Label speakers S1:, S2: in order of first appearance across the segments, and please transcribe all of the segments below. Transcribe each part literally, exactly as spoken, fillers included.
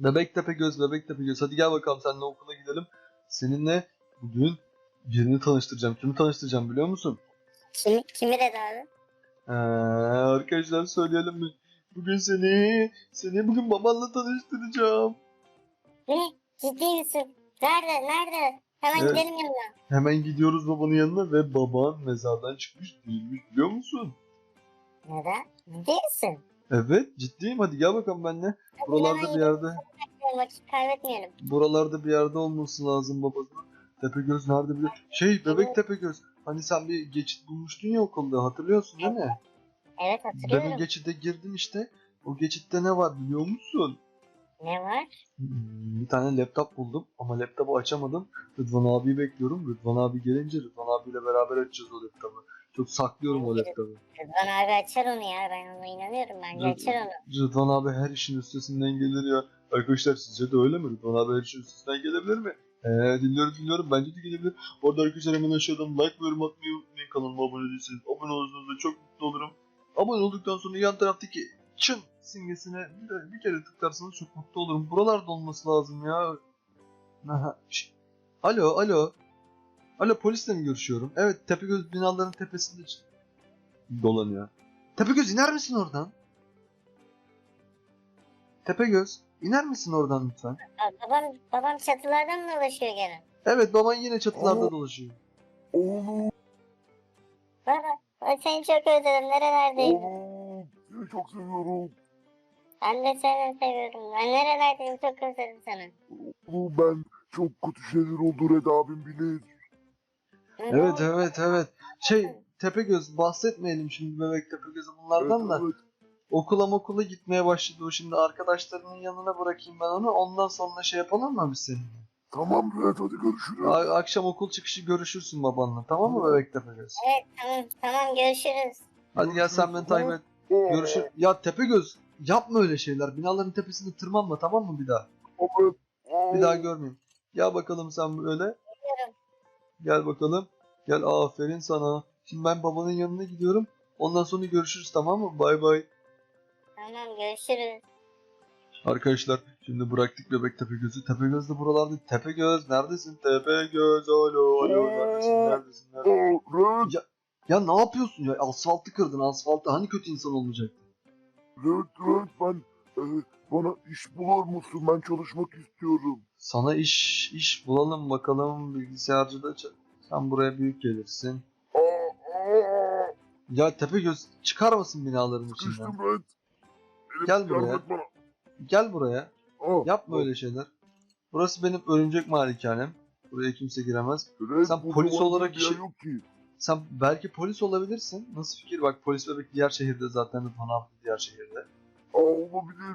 S1: Bebek Tepegöz, Bebek Tepegöz. Hadi gel bakalım seninle okula gidelim. Seninle bugün birini tanıştıracağım. Kimi tanıştıracağım biliyor musun?
S2: Kim, kimi dedi abi?
S1: Ee, arkadaşlar söyleyelim mi? Bugün seni, seni bugün babanla tanıştıracağım.
S2: Ne? Ciddi misin? Nerede? Nerede? Hemen
S1: Evet,
S2: gidelim yanına.
S1: hemen gidiyoruz babanın yanına ve baban mezardan çıkmış değilmiş biliyor musun?
S2: Neden? Ciddi misin?
S1: Evet, ciddiyim. Hadi gel bakalım benimle.
S2: Hadi hemen
S1: Buralarda bir
S2: gidelim.
S1: yerde,
S2: Vakit kaybetmeyelim.
S1: buralarda bir yerde olması lazım babası. Tepegöz nerede biliyor? Şey, Bebek Tepegöz. Hani sen bir geçit bulmuştun ya okulda, hatırlıyorsun değil mi?
S2: Evet,
S1: Ben o
S2: hatırlıyorum.
S1: geçide girdim işte. O geçitte ne var biliyor musun?
S2: Ne var?
S1: Hmm, Bir tane laptop buldum ama laptopu açamadım. Rıdvan abiyi bekliyorum. Rıdvan abi gelince Rıdvan abiyle beraber açacağız o laptopu. Çok saklıyorum o laptopu.
S2: Rıdvan abi açar onu ya. Ben ona inanıyorum. Bence açar onu.
S1: Rıdvan abi her işin üstesinden gelir ya. Arkadaşlar sizce de öyle mi? Rıdvan abi her işin üstesinden gelebilir mi? Eee dinliyorum dinliyorum. Bence de gelebilir. Bu arada arkadaşlar hemen aşağıdan like ve yorum atmayı unutmayın. Kanalıma abone değilseniz abone olursanız da çok mutlu olurum. Abone olduktan sonra yan taraftaki çın simgesine bir, de, bir kere tıklarsanız çok mutlu olurum. Buralarda olması lazım ya. Aha. şş. Alo alo. Alo polisle mi görüşüyorum? Evet Tepegöz binaların tepesinde ç- dolanıyor. Tepegöz iner misin oradan? Tepegöz iner misin oradan lütfen?
S2: Aa, babam, babam çatılardan mı dolaşıyor gene?
S1: Evet baban yine çatılarda dolaşıyor.
S3: Oğlum,
S2: Baba, ben seni çok özledim. Nerelerdeydin?
S3: oğlum, seni çok seviyorum.
S2: Ben de seni seviyorum. Ben nerelerdeyim? Çok özledim seni.
S3: Oğlum ben çok kötü şeyler oldu Red abim bilir.
S2: Ne
S1: Evet
S2: oldu?
S1: evet evet. Şey Tepegöz bahsetmeyelim şimdi Bebek Tepegöz'ü bunlardan
S3: Evet,
S1: da.
S3: evet.
S1: Okula okula gitmeye başladı o şimdi arkadaşlarının yanına bırakayım ben onu. Ondan sonra şey yapalım mı biz seninle?
S3: Tamam Red, hadi görüşürüz.
S1: A- akşam okul çıkışı görüşürsün babanla tamam mı Bebek Tepegöz?
S2: Evet, tamam, tamam, görüşürüz.
S1: Hadi gel sen beni takip et.
S3: Aa,
S1: Görüşür. Ya Tepegöz yapma öyle şeyler. Binaların tepesinde tırmanma tamam mı bir daha?
S3: evet. Aa,
S1: Bir daha görmeyeyim. Gel bakalım sen böyle.
S2: Gidiyorum.
S1: Gel bakalım. Gel aferin sana. Şimdi ben babanın yanına gidiyorum. Ondan sonra görüşürüz tamam mı? Bay bay.
S2: Tamam, görüşürüz.
S1: Arkadaşlar şimdi bıraktık Bebek Tepegöz'ü. Tepegöz de buralarda. Tepegöz neredesin? Tepegöz alo alo neredesin neredesin neredesin?
S3: Aa, Red,
S1: Ya, ya ne yapıyorsun ya? Asfaltı kırdın asfaltı. Hani kötü insan olmayacaktın?
S3: Red, Red, ben e, bana iş bulur musun? Ben çalışmak istiyorum.
S1: Sana iş iş bulalım bakalım bilgisayarcıda. ç- Sen buraya büyük gelirsin.
S3: Aa, aa,
S1: Ya Tepegöz çıkar mısın binaların içinden?
S3: sıkıştım Red. Elim
S1: Gel
S3: yardım
S1: buraya.
S3: et bana.
S1: Gel buraya.
S3: Aa,
S1: Yapma
S3: aa,
S1: öyle şeyler. Burası benim örümcek malikanem. Buraya kimse giremez.
S3: Red,
S1: Sen
S3: bu
S1: polis
S3: zamanda
S1: olarak
S3: bir yer
S1: işi-
S3: yok ki.
S1: Sen belki polis olabilirsin. Nasıl fikir? Bak polis bebek diğer şehirde zaten Rıdvan abi diğer şehirde.
S3: Aa, olabilir.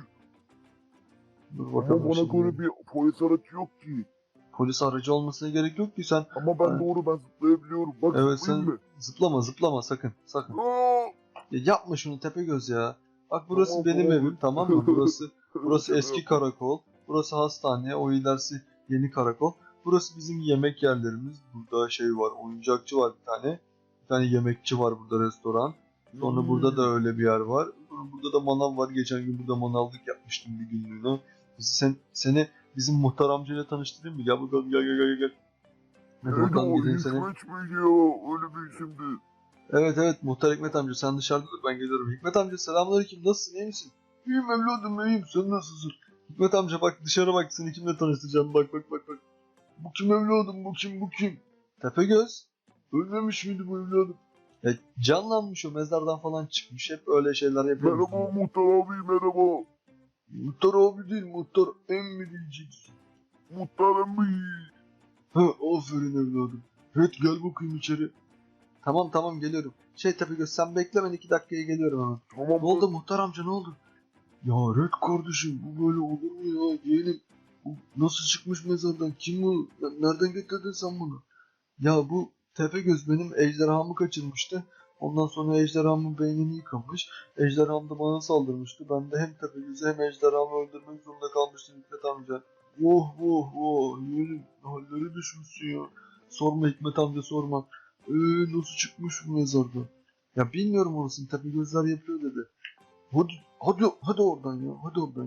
S1: Dur
S3: Ama
S1: bakalım
S3: bana
S1: şimdi.
S3: göre bir polis aracı yok ki.
S1: Polis aracı olmasına gerek yok ki sen.
S3: Ama ben
S1: Evet.
S3: doğru, ben zıplayabiliyorum. Bak,
S1: Evet
S3: zıplayayım
S1: sen
S3: mı?
S1: zıplama zıplama sakın sakın.
S3: Aa!
S1: Ya yapma şunu Tepegöz ya. Bak burası
S3: Tamam,
S1: benim
S3: tamam.
S1: evim tamam mı? Burası burası
S3: Şaka
S1: eski
S3: yapıyorum.
S1: karakol. Burası hastane. O ilerisi yeni karakol. Burası bizim yemek yerlerimiz. Burada şey var. Oyuncakçı var bir tane. Bir tane yemekçi var burada restoran. Sonra
S3: Hmm.
S1: burada da öyle bir yer var. Sonra burada da manav var. Geçen gün burada manavlık yapmıştım bir günlüğüne. Sen, seni bizim muhtar amcayla tanıştırayım mı? Gel bakalım gel gel gel gel. Hadi
S3: Neydi
S1: bakalım
S3: o?
S1: gideyim seni.
S3: Hikmet miydi ya? Öyle bir isimdi.
S1: Evet evet muhtar Hikmet amca sen dışarıda dur ben geliyorum. Hikmet amca selamünaleyküm nasılsın iyi misin? İyiyim evladım iyiyim sen nasılsın? Hikmet amca bak dışarı bak seni kimle tanıştıracağım bak bak bak bak. Bu kim evladım bu kim bu kim? Tepegöz. Ölmemiş miydi bu evladım? Ya canlanmış o mezardan falan çıkmış hep öyle şeyler yapıyor.
S3: Merhaba muhtar abi, merhaba.
S1: Muhtar abi değil muhtar emmi diyeceksin.
S3: Muhtar emmi.
S1: Ha aferin evladım. Evet gel bakayım içeri. Tamam tamam geliyorum. Şey Tepegöz sen bekle ben iki dakikaya geliyorum hemen.
S3: Tamam.
S1: Ne oldu muhtar amca ne oldu? Ya Red kardeşim bu böyle olur mu ya yeğenim? Bu nasıl çıkmış mezardan? Kim bu? Ya nereden getirdin sen bunu? Ya bu Tepegöz benim ejderhamı kaçırmıştı. Ondan sonra ejderhamın beynini yıkamış. Ejderham da bana saldırmıştı. Ben de hem Tepegöz'ü hem ejderhamı öldürmek zorunda kalmıştım Hikmet amca. Oh oh oh yeğenim halleri düşmüşsün ya. Sorma Hikmet amca sorma. Eee nasıl çıkmış bu mezardan? Ya bilmiyorum orasını Tepegözler yapıyor dedi. Hadi, hadi, hadi oradan ya, hadi oradan ya.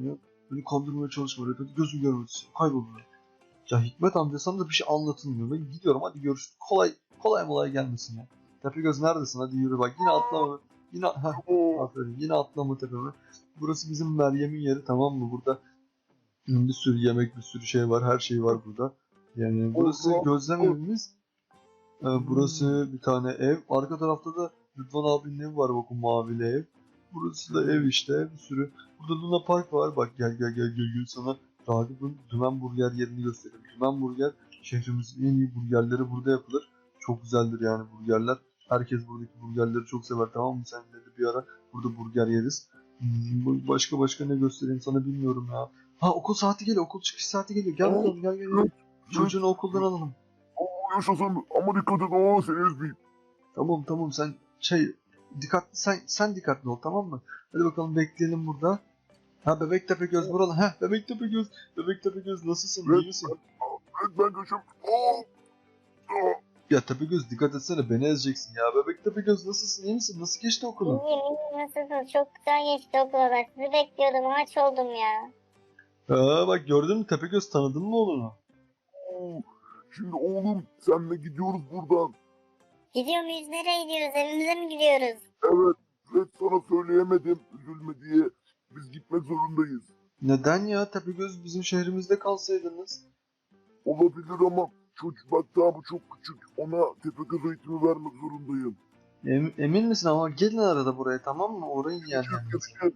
S1: Beni kandırmaya çalışma Red. Hadi gözüm görmesin. Kaybol buradan. Ya Hikmet amca sana da bir şey anlatılmıyor. Ben gidiyorum hadi görüşürüz. Kolay kolay molay gelmesin ya. Tepegöz neredesin? Hadi yürü bak. Yine atlama. Yine heh,
S3: Oo,
S1: aferin. Yine atlama tepeme. Burası bizim Meryem'in yeri tamam mı? Burada bir sürü yemek, bir sürü şey var. Her şey var burada. Yani burası
S3: Allah.
S1: gözlem evimiz. Ee, burası bir tane ev. Arka tarafta da Rıdvan abinin evi var bakın mavili ev. Burası da ev işte bir sürü. Burada Luna Park var. Bak gel gel gel gel gel sana Ragıp'ın Dümen Burger yerini göstereyim. Dümen Burger şehrimizin en iyi burgerleri burada yapılır. Çok güzeldir yani burgerler. Herkes buradaki burgerleri çok sever tamam mı? Seninle de bir ara burada burger yeriz. Hmm, başka başka ne göstereyim sana bilmiyorum ya. Ha okul saati geliyor. Okul çıkış saati geliyor. Gel bakalım gel gel gel. Çocuğunu okuldan alalım.
S3: Oo, yaşasın ama dikkat et aa seni ezmeyeyim.
S1: Tamam tamam sen şey dikkatli sen sen dikkatli ol tamam mı? Hadi bakalım bekleyelim burada. Ha bebek tepe göz buralı. Ha bebek tepe göz. Bebek tepe göz nasılsın? İyi misin?
S3: Evet ben kaçıyorum. Aa, aa.
S1: Ya tepe göz dikkat etsene beni ezeceksin ya. Bebek tepe göz nasılsın? İyi misin? Nasıl geçti okulun?
S2: İyiyim iyiyim nasılsınız? Çok güzel geçti okula ben sizi bekliyordum aç oldum ya.
S1: Ha bak gördün mü tepe göz tanıdın mı oğlunu?
S3: Oo, şimdi oğlum senle gidiyoruz buradan.
S2: Gidiyor muyuz nereye gidiyoruz evimize mi gidiyoruz?
S3: Evet Red sana söyleyemedim üzülme diye. Biz gitmek zorundayız.
S1: Neden ya tepe göz bizim şehrimizde kalsaydınız?
S3: Olabilir ama çocuk bak daha bu çok küçük. Ona Tepegöz eğitimi vermek zorundayım.
S1: Em- emin misin ama gelin arada buraya tamam mı? Orayı yani.
S3: Gel,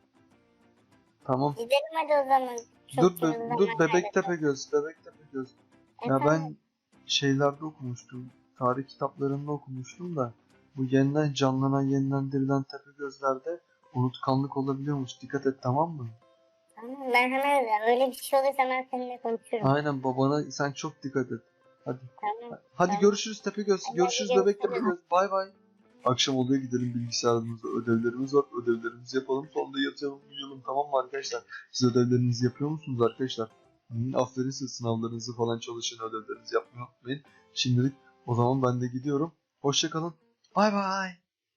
S1: Tamam.
S2: Gidelim hadi o zaman. Çok
S1: Dur be,
S2: yoruldum
S1: dur
S2: ben
S1: bebek
S2: neredeyse.
S1: tepe göz. Bebek tepe göz. Ya
S2: Efendim?
S1: ben şeylerde okumuştum. Tarih kitaplarında okumuştum da bu yeniden canlanan, yeniden dirilen tepe gözlerde unutkanlık olabiliyormuş. Dikkat et tamam mı?
S2: Tamam ben hemen öyle bir şey olursa ben seninle konuşurum.
S1: Aynen babana sen çok dikkat et. Hadi.
S2: Tamam.
S1: Hadi
S2: Tamam.
S1: görüşürüz tepe göz.
S2: Hadi
S1: Görüşürüz
S2: görüşürüz.
S1: bebek tepe göz. Bay bay. Akşam oluyor gidelim bilgisayarımızda ödevlerimiz var. Ödevlerimizi yapalım. Sonra da yatalım uyuyalım tamam mı arkadaşlar? Siz ödevlerinizi yapıyor musunuz arkadaşlar? Hı, aferin siz sınavlarınızı falan çalışın ödevlerinizi yapmayı unutmayın. Şimdilik o zaman ben de gidiyorum. Hoşçakalın. Bay bay.